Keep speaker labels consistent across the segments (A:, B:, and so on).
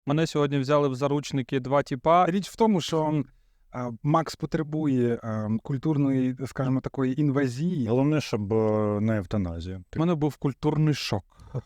A: Мене сьогодні взяли в заручники два тіпа.
B: Річ в тому, що Макс потребує культурної, скажімо, такої інвазії.
C: Головне, щоб не евтаназія.
A: У мене був культурний шок.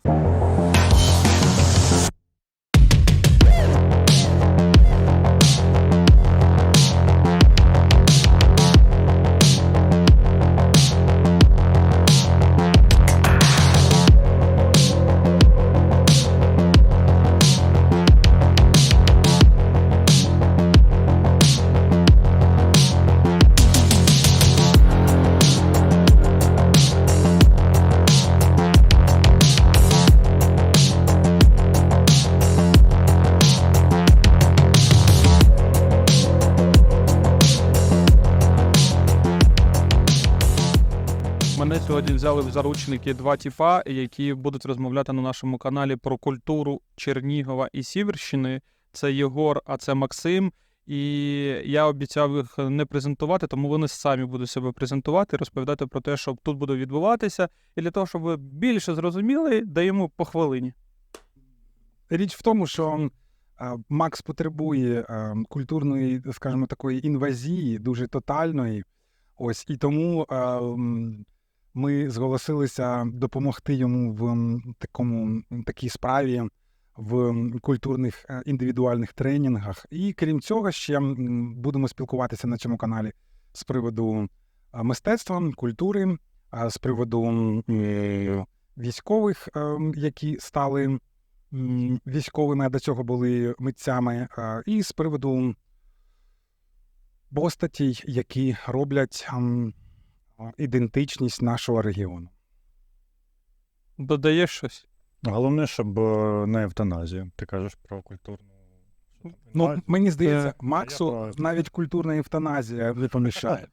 A: Мене сьогодні взяли в заручники два тіпа, які будуть розмовляти на нашому каналі про культуру Чернігова і Сіверщини. Це Єгор, а це Максим. І я обіцяв їх не презентувати, тому вони самі будуть себе презентувати, розповідати про те, що тут буде відбуватися. І для того, щоб ви більше зрозуміли, даємо по хвилині.
B: Річ в тому, що Макс потребує культурної, скажімо, такої інвазії, дуже тотальної. Ось, і тому ми зголосилися допомогти йому в такій справі, в культурних індивідуальних тренінгах. І крім цього, ще будемо спілкуватися на цьому каналі з приводу мистецтва, культури, з приводу військових, які стали військовими, а до цього були митцями, і з приводу постатей, які роблять ідентичність нашого регіону.
A: Додаєш щось?
C: Головне, щоб не евтаназія. Ти кажеш про культурну.
B: Ну, мені здається,
C: я
B: Максу
C: про-
B: навіть культурна евтаназія не помішає.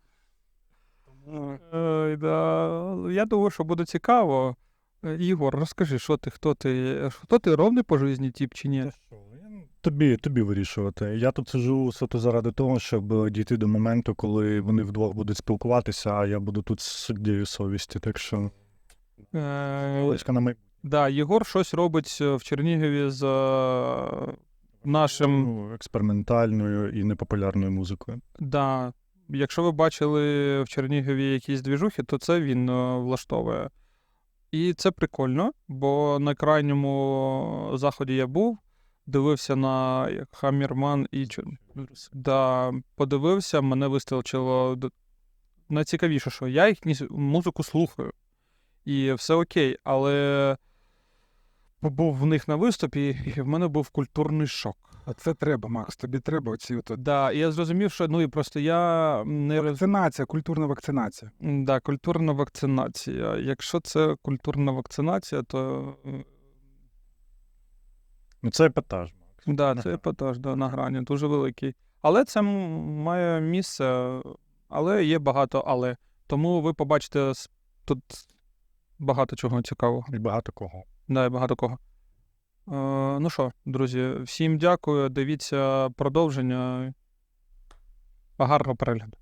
A: Я думаю, що буде цікаво. Ігор, розкажи, що ти, хто ти ровний по житті тіп чи ні?
C: Тобі вирішувати. Я тут сиджу суто заради того, щоб дійти до моменту, коли вони вдвох будуть спілкуватися, а я буду тут з суддєю совісті. Так що Олечка на майбутнє.
A: Да, Єгор щось робить в Чернігові з нашим.
C: Експериментальною і непопулярною музикою.
A: Да, якщо ви бачили в Чернігові якісь двіжухи, то це він влаштовує. І це прикольно, бо на крайньому заході я був, дивився на Хаммерман і да, подивився, мене вистачило. Найцікавіше, що я їхню музику слухаю. І все окей, але був в них на виступі, і в мене був культурний шок.
B: А це треба, Макс, тобі треба оці от...
A: Да, і я зрозумів, що і просто я не
B: Вакцинація, культурна вакцинація.
A: Да, культурна вакцинація. Якщо це культурна вакцинація, то
C: Це епатаж, Макс.
A: да, це епатаж, да, на грані, дуже великий. Але це має місце, але є багато але. Тому ви побачите тут багато чого цікавого.
C: І багато кого.
A: Да, і багато кого. Ну що, друзі, всім дякую, дивіться продовження. Гарного перегляду.